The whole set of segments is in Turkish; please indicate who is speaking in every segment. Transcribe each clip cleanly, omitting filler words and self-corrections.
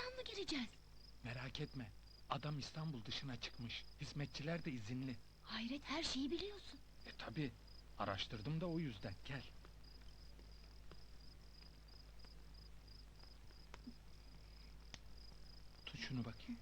Speaker 1: mı gireceğiz?
Speaker 2: Merak etme. Adam İstanbul dışına çıkmış. Hizmetçiler de izinli.
Speaker 1: Hayret, her şeyi biliyorsun.
Speaker 2: Tabii. Araştırdım da o yüzden. Gel. Tut şunu bakayım.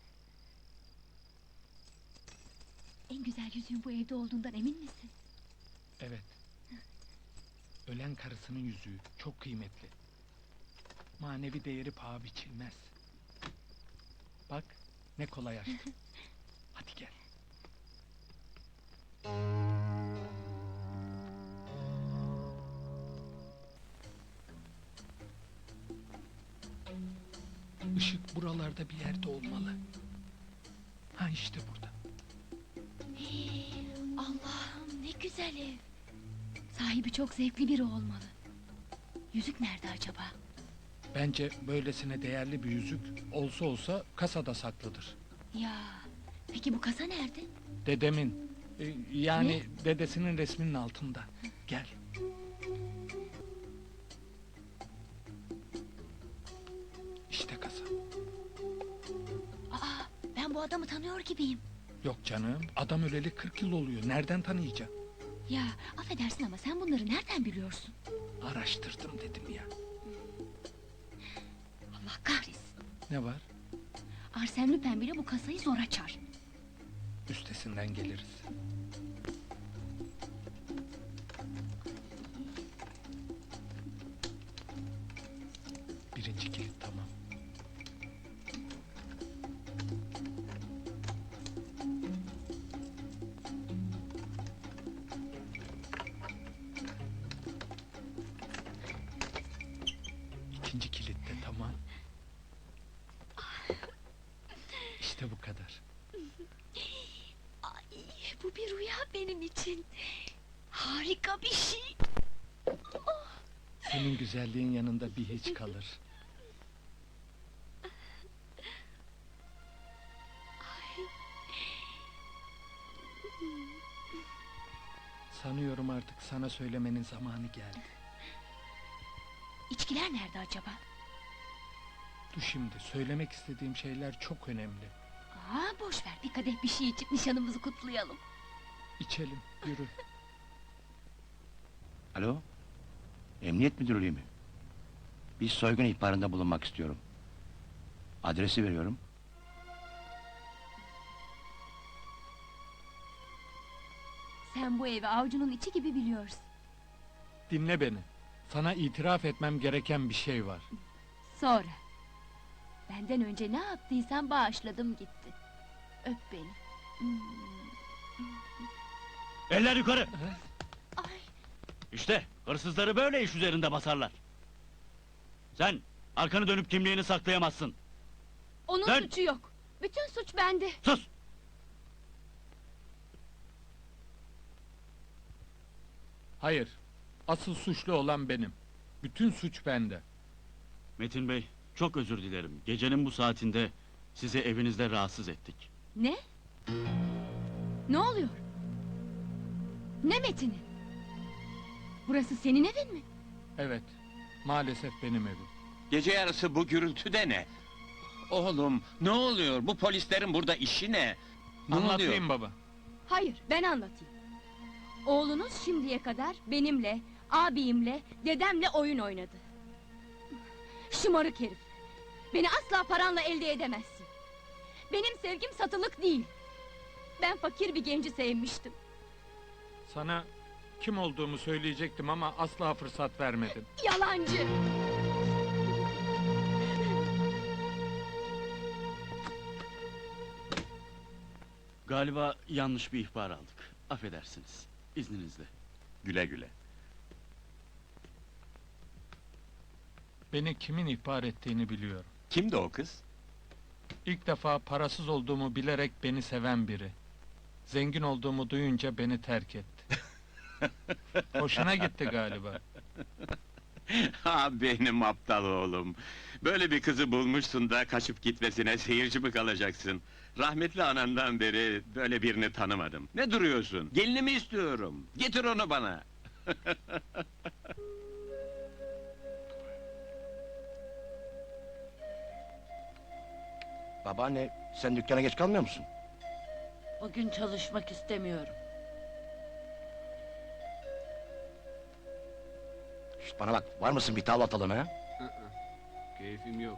Speaker 1: En güzel yüzüğün bu evde olduğundan emin misin?
Speaker 2: Evet. Ölen karısının yüzüğü. Çok kıymetli. Manevi değeri paha biçilmez. Bak, ne kolay açtım. Hadi gel. Işık buralarda bir yerde olmalı. Ha işte burada.
Speaker 1: Allah'ım, ne güzel ev. Sahibi çok zevkli biri olmalı. Yüzük nerede acaba?
Speaker 2: Bence böylesine değerli bir yüzük olsa olsa kasada saklıdır.
Speaker 1: Ya, peki bu kasa nerede?
Speaker 2: Dedemin, yani dedesinin resminin altında. Gel. İşte kasa.
Speaker 1: Aa, ben bu adamı tanıyor gibiyim.
Speaker 2: Yok canım, adam öleli 40 yıl oluyor. Nereden tanıyacağım?
Speaker 1: Ya, affedersin ama sen bunları nereden biliyorsun?
Speaker 2: Araştırdım dedim ya.
Speaker 1: Allah kahretsin.
Speaker 2: Ne var?
Speaker 1: Arsène Lupin bile bu kasayı zor açar.
Speaker 2: Üstesinden geliriz. Birinci kilit tamam. İkinci kilit de tamam. İşte bu kadar.
Speaker 1: Ay, bu bir rüya benim için. Harika bir şey.
Speaker 2: Senin güzelliğin yanında bir hiç kalır. Sanıyorum artık sana söylemenin zamanı geldi.
Speaker 1: İçkiler nerede acaba?
Speaker 2: Dur şimdi, söylemek istediğim şeyler çok önemli.
Speaker 1: Aa, boş ver, bir kadeh bir şey içip nişanımızı kutlayalım.
Speaker 2: İçelim, yürü.
Speaker 3: Alo? Emniyet müdürlüğü mü? Bir soygun ihbarında bulunmak istiyorum. Adresi veriyorum.
Speaker 1: Sen bu evi avucunun içi gibi biliyorsun.
Speaker 2: Dinle beni. Sana itiraf etmem gereken bir şey var.
Speaker 1: Sonra. Benden önce ne yaptıysan bağışladım gitti. Öp beni.
Speaker 4: Eller yukarı!
Speaker 1: Ay,
Speaker 4: İşte hırsızları böyle iş üzerinde basarlar. Sen arkanı dönüp kimliğini saklayamazsın.
Speaker 1: onun
Speaker 4: Dön!
Speaker 1: suçu yok. Bütün suç bende.
Speaker 4: Sus!
Speaker 2: Hayır, asıl suçlu olan benim. Bütün suç bende.
Speaker 4: Metin Bey, çok özür dilerim. Gecenin bu saatinde sizi evinizde rahatsız ettik.
Speaker 1: Ne? Ne oluyor? Ne Metin'i? Burası senin evin mi?
Speaker 2: Evet, maalesef benim evim.
Speaker 5: Gece yarısı bu gürültü de ne? Oğlum, ne oluyor? Bu polislerin burada işi ne? Ne
Speaker 2: Anlatayım
Speaker 5: oluyor?
Speaker 2: baba.
Speaker 1: Hayır, ben anlatayım. Oğlunuz şimdiye kadar benimle, abimle, dedemle oyun oynadı. Şımarık herif! Beni asla paranla elde edemezsin. Benim sevgim satılık değil. Ben fakir bir genci sevmiştim.
Speaker 2: Sana kim olduğumu söyleyecektim ama asla fırsat vermedin.
Speaker 1: Yalancı!
Speaker 4: Galiba yanlış bir ihbar aldık. Affedersiniz. İzninizle.
Speaker 5: Güle güle.
Speaker 2: Beni kimin ihbar ettiğini biliyorum.
Speaker 5: Kimdi o kız?
Speaker 2: İlk defa parasız olduğumu bilerek beni seven biri. Zengin olduğumu duyunca beni terk etti. Hoşuna gitti galiba.
Speaker 5: Ha benim aptal oğlum. Böyle bir kızı bulmuşsun da kaçıp gitmesine seyirci mi kalacaksın? Rahmetli anandan beri böyle birini tanımadım. Ne duruyorsun? Gelinimi istiyorum. Getir onu bana.
Speaker 3: Babaanne, sen dükkana geç kalmıyor musun?
Speaker 6: Bugün çalışmak istemiyorum.
Speaker 3: Şişt, bana bak, var mısın bir tavla atalım ha?
Speaker 7: Keyfim yok.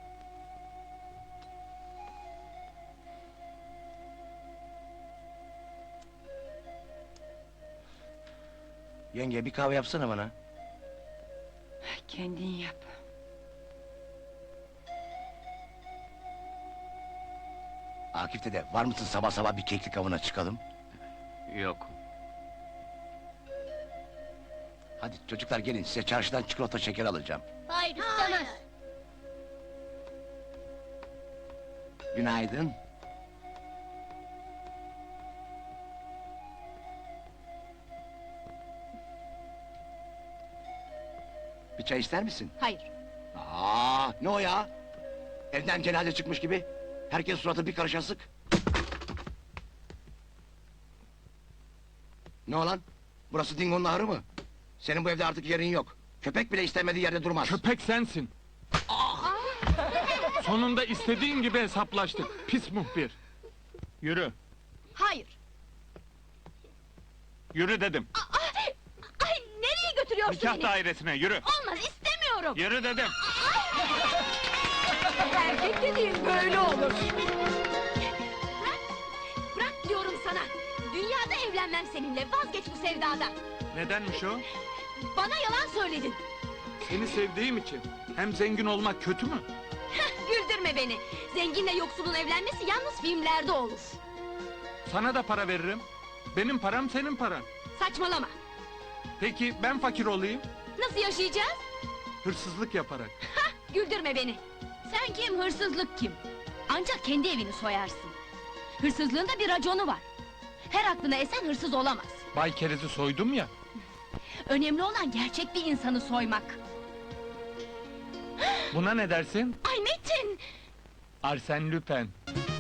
Speaker 3: Yenge, bir kahve yapsana bana.
Speaker 6: Kendin yap.
Speaker 3: Akif dede, var mısın sabah sabah bir keklik avına çıkalım?
Speaker 7: Yok.
Speaker 3: Hadi çocuklar gelin, size çarşıdan çikolata şeker alacağım.
Speaker 1: Hayır istemez.
Speaker 3: Günaydın. Bir çay ister misin?
Speaker 1: Hayır.
Speaker 3: Ne o ya? Evden cenaze çıkmış gibi. Herkes suratı bir karış asık. Ne o lan? Burası Dingo'nun ahırı mı? Senin bu evde artık yerin yok. Köpek bile istemediği yerde durmaz.
Speaker 2: Köpek sensin. Sonunda istediğin gibi hesaplaştık. Pis muhbir. Yürü.
Speaker 1: Hayır.
Speaker 2: Yürü dedim.
Speaker 1: Ay nereye götürüyorsun
Speaker 2: Nikah
Speaker 1: beni?
Speaker 2: dairesine yürü.
Speaker 1: Olmaz istemiyorum.
Speaker 2: Yürü dedim.
Speaker 1: Erkek dediğin böyle olur. Bırak. Bırak diyorum sana. Dünyada evlenmem seninle. Vazgeç bu sevdadan.
Speaker 2: Nedenmiş o?
Speaker 1: Bana yalan söyledin.
Speaker 2: Seni sevdiğim için. Hem zengin olmak kötü mü?
Speaker 1: Güldürme beni. Zenginle yoksulun evlenmesi yalnız filmlerde olur.
Speaker 2: Sana da para veririm. Benim param senin paran.
Speaker 1: Saçmalama.
Speaker 2: Peki ben fakir olayım?
Speaker 1: Nasıl yaşayacağız?
Speaker 2: Hırsızlık yaparak.
Speaker 1: Güldürme beni. Sen kim, hırsızlık kim? Ancak kendi evini soyarsın. Hırsızlığın da bir raconu var. Her aklına esen hırsız olamaz.
Speaker 2: Bay Keriz'i soydum ya.
Speaker 1: Önemli olan gerçek bir insanı soymak.
Speaker 2: Buna ne dersin?
Speaker 1: Ay Metin!
Speaker 2: Arsène Lupin.